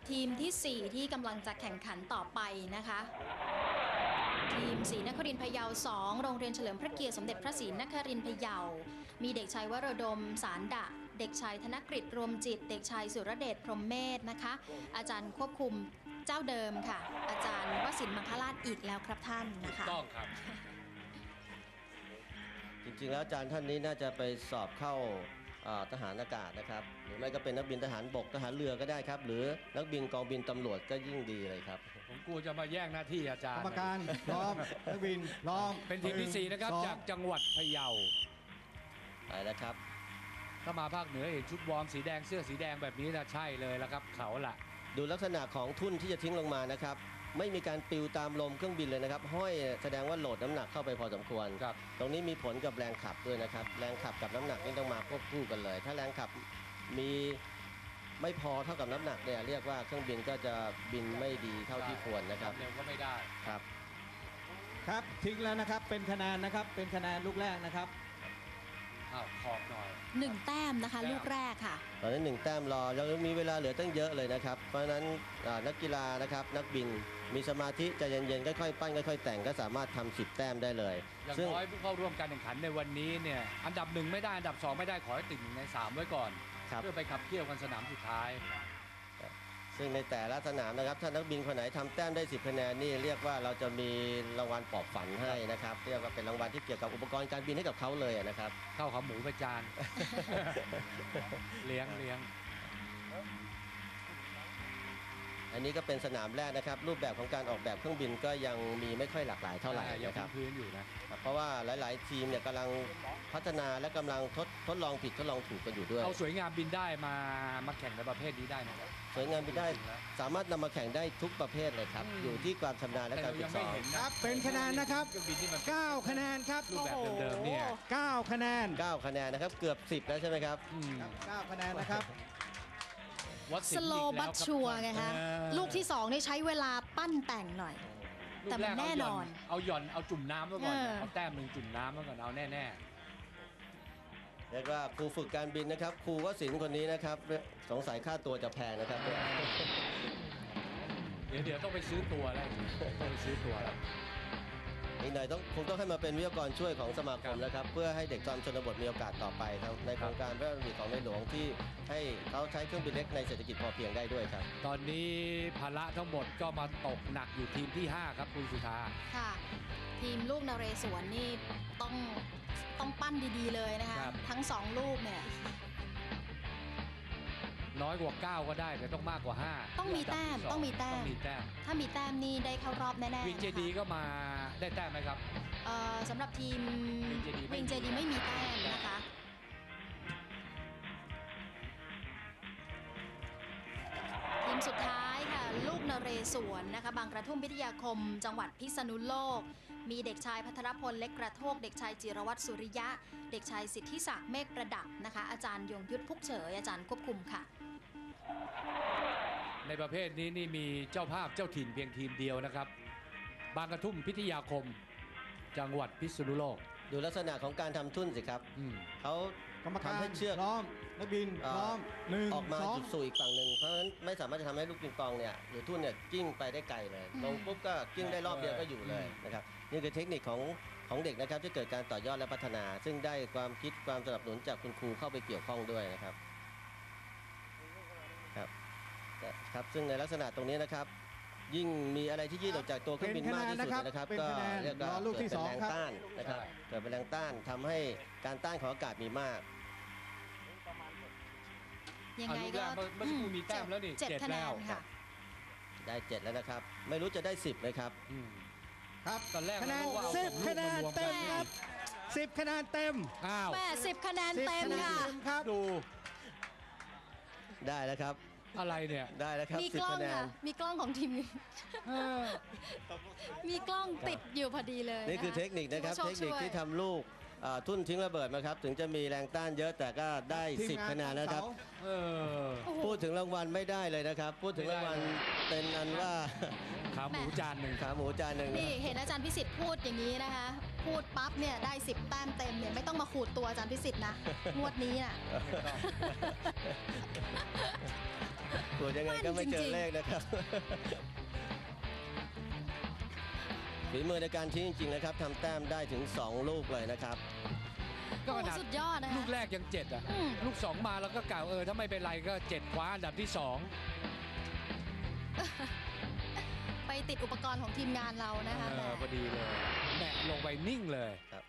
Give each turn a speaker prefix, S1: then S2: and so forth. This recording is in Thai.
S1: ทีมที่ 4 ที่กำลังจะแข่งขันต่อไปนะคะทีมศรีนครินทร์พะเยา2โรงเรียนเฉลิมพระเกียรติสมเด็จพระศรีนครินทร์พะเยามีเด็กชายวรดมสารดะเด็กชายธนกฤษรวมจิตเด็กชายสุรเดชพรหมเมธนะคะอาจารย์ควบคุมเจ้าเดิมค่ะอาจารย์วสินทร์มังคลาชอีกแล้วครับท่านนะคะ
S2: ต้องครับ
S3: จริงๆแล้วอาจารย์ท่านนี้น่าจะไปสอบเข้าทหารอากาศนะครับหรือไม่ก็เป็นนักบินทหารบกทหารเรือก็ได้ครับหรือนักบินกองบินตำรวจก็ยิ่งดีเลยครับ
S2: ผมกลัวจะมาแย่งหน้าที่อาจารย์
S4: กรรมการพร้อมนักบินพร้อม
S2: เป็นทีมที่4นะครับจากจังหวัดพะเยา
S3: ไปแล้วครับ
S2: ถ้ามาภาคเหนือเห็นชุดวอร์มสีแดงเสื้อสีแดงแบบนี้นะใช่เลยแล้วครับเขาล่ะ
S3: ดูลักษณะของทุ่นที่จะทิ้งลงมานะครับไม่มีการปลิวตามลมเครื่องบินเลยนะครับห้อยแสดงว่าโหลดน้ำหนักเข้าไปพอสมควรตรงนี้มีผลกับแรงขับด้วยนะครับแรงขับกับน้ำหนักนี่ต้องมาควบคู่กันเลยถ้าแรงขับมีไม่พอเท่ากับน้ำหนักเนี่ยเรียกว่าเครื่องบินก็จะบินไม่ดีเท่าที่ควรนะครับ
S2: เร็วก็ไม่ได้
S3: ครับ
S4: ครับทิ้งแล้วนะครับเป็นคะแนนนะครับเป็นคะแนนลูกแรกนะครับ
S2: ขอบหน่อย
S1: 1แต้มนะคะลูกแรกค่ะ
S3: ตอนนี้1แต้มรอยังมีเวลาเหลือตั้งเยอะเลยนะครับเพราะฉะนั้นนักกีฬานะครับนักบินมีสมาธิใจเย็นๆค่อยๆปั้นค่อยๆแต่งก็สามารถทำ10แต้มได้เลย
S2: อย่างน้อยผู้เข้าร่วมการแข่งขันในวันนี้เนี่ยอันดับ1ไม่ได้อันดับ2ไม่ได้ขอให้ติด1ใน3ไว้ก่อนเพื่อไปขับเคี่ยวกันสนามสุดท้าย
S3: ซึ่งในแต่ละสนามนะครับถ้านักบินคนไหนทำแต้มได้10คะแนนนี่เรียกว่าเราจะมีรางวัลปลอบฝันให้นะครับเรียกว่าเป็นรางวัลที่เกี่ยวกับอุปกรณ์การบินให้กับเขาเลยนะครับ
S2: ข้าวขาหมูประจานเลี้ยง
S3: อันนี้ก็เป็นสนามแรกนะครับรูปแบบของการออกแบบเครื่องบินก็ยังมีไม่ค่อยหลากหลายเท่าไหร่นะครับ
S2: พื้นอยู่นะ
S3: เพราะว่าหลายๆทีมเนี่ยกำลังพัฒนาและกำลังทดลองผิดทดลองถูกกันอยู่ด้วย
S2: เอาสวยงามบินได้มาแข่งในประเภทนี้ได้นะครับ
S3: สวยงามบินได้สามารถนำมาแข่งได้ทุกประเภทเลยครับอยู่ที่ความชำนาญและการฝึกซ้อม
S4: ครับเป็นคะแนนนะครับ9คะแนนครับ
S2: รูปแบบเดิมๆเนี่ย
S4: 9คะแนน
S3: นะครับเกือบ10แล้วใช่ไหมครับ
S4: 9คะแนนนะครับ
S1: สโลบัตชัวไงฮะลูกที่2นี่ใช้เวลาปั้นแต่งหน่อยแต่มันแน่นอน
S2: เอาหย่อนเอาจุ่มน้ำไว้ก่อนเอาแต้ม1จุ่มน้ำไว้ก่อนเอาแน่
S3: เรียกว่าครูฝึกการบินนะครับครูวศิลป์คนนี้นะครับสงสัยค่าตัวจะแพงนะครับ
S2: เดี๋ยวต้องไปซื้อตัวแล้วต้องไปซื้อตัวแล้ว
S3: อีกหน่อยคงต้องให้มาเป็นวิทยากรช่วยของสมาคมนะครับเพื่อให้เด็กตามชนบทมีโอกาสต่อไปครับในโครงการพระราชดำริของในหลวงที่ให้เขาใช้เครื่องบินเล็กในเศรษฐกิจพอเพียงได้ด้วยครับ
S2: ตอนนี้ภาระทั้งหมดก็มาตกหนักอยู่ทีมที่5ครับคุณสุธา
S1: ค่ะทีมลูกนเรศวรนี่ต้องปั้นดีๆเลยนะคะทั้ง2ลูกเนี่ย
S2: น้อยกว่า9ก็ได้แต่ต้องมากกว่า5
S1: ต้องมีแต้มถ้ามีแต้มนี่ได้เข้ารอบแน่ๆ
S2: วิงเจดีก็มาได้แต้มไหมครับ
S1: สำหรับทีมวิงเจดีไม่มีแต้มนะคะทีมสุดท้ายค่ะลูกนเรศวรนะคะบางกระทุ่มพิทยาคมจังหวัดพิษณุโลกมีเด็กชายพัทรพลเล็กกระโทกเด็กชายจิรวัตรสุริยะเด็กชายสิทธิศักดิ์เมฆประดับนะคะอาจารย์ยงยุทธพุกเฉยอาจารย์ควบคุมค่ะ
S2: ในประเภทนี้นี่มีเจ้าภาพเจ้าถิ่นเพียงทีมเดียวนะครับบางกระทุ่มพิทยาคมจังหวัดพิษณุโลก
S3: ดูลักษณะของการทำทุ่นสิครับเขาทำให้เชือก
S4: พร้อมนักบินพร้อม
S3: ออกมาจุดสู่อีกฝั่งหนึ่งเพราะฉะนั้นไม่สามารถจะทำให้ลูกปิงปองเนี่ยหรือทุ่นเนี่ยกิ้งไปได้ไกลเลยลงปุ๊บก็กิ้งได้รอบเดียวก็อยู่เลยนะครับนี่คือเทคนิคของเด็กนะครับที่เกิดการต่อยอดและพัฒนาซึ่งได้ความคิดความสนับสนุนจากคุณครูเข้าไปเกี่ยวข้องด้วยนะครับครับซึ่งในลักษณะตรงนี้นะครับยิ่งมีอะไรที่ยืดออกจากตัวเครื่องบินมากที่สุดนะครับก็เรียกว่าเกิดเป็นแรงต้านนะครับเกิดเป็นแรงต้านทำให้การต้านของอากาศมีมาก
S1: ยังไงก็
S2: เมื่อสักครู่มีแต้มแล้วนี่
S1: 7 แล้วค่ะ
S3: ได้7แล้วนะครับไม่รู้จะได้10ไหมครับ
S2: ครับตอนแรก
S4: คะแนน10คะแนนเต็มครับ10คะแนนเต็ม
S1: 80คะแนนเต็มค่ะ
S4: ดู
S3: ได้แล้วครับ
S2: อะไรเนี่ย
S3: ได้แล้วครับ
S1: มีกล้องค่ะมีกล้องของทีมมีกล้องติดอยู่พอดีเลย
S3: นี่คือเทคนิคนะครับเทคนิคที่ทำลูกทุ่นทิ้งระเบิดมาครับถึงจะมีแรงต้านเยอะแต่ก็ได้10คะแนนนะครับพูดถึงรางวัลไม่ได้เลยนะครับพูดถึงรางวัลเป็นอันว่า
S2: ขาหมูจานหนึ่ง
S1: นี่เห็นอาจารย์พิสิทธิ์พูดอย่างนี้นะคะพูดปั๊บเนี่ยได้10แต้มเต็มเนี่ยไม่ต้องมาขูดตัวอาจารย์พิสิทธิ์นะงวดนี้น่ะ
S3: ตรวจยังไงก็ไม่เจอเลขนะครับ ฝีมือในการทิ้งจริงๆนะครับทำแต้มได้ถึง 2 ลูกเลยนะครับ
S2: ก็
S1: โอ้
S2: ขนาด
S1: สุดยอดนะคะ
S2: ลูกแรกยัง7อ่ะ
S1: อืม
S2: ลูก 2 มาแล้วก็กล่าวถ้าไม่เป็นไรก็7คว้าอันดับที่
S1: ไปติดอุปกรณ์ของทีมงานเรานะคะ
S2: 2
S1: แหม
S2: พอดีเลยแหมะลงไปนิ่งเลย
S3: ครับ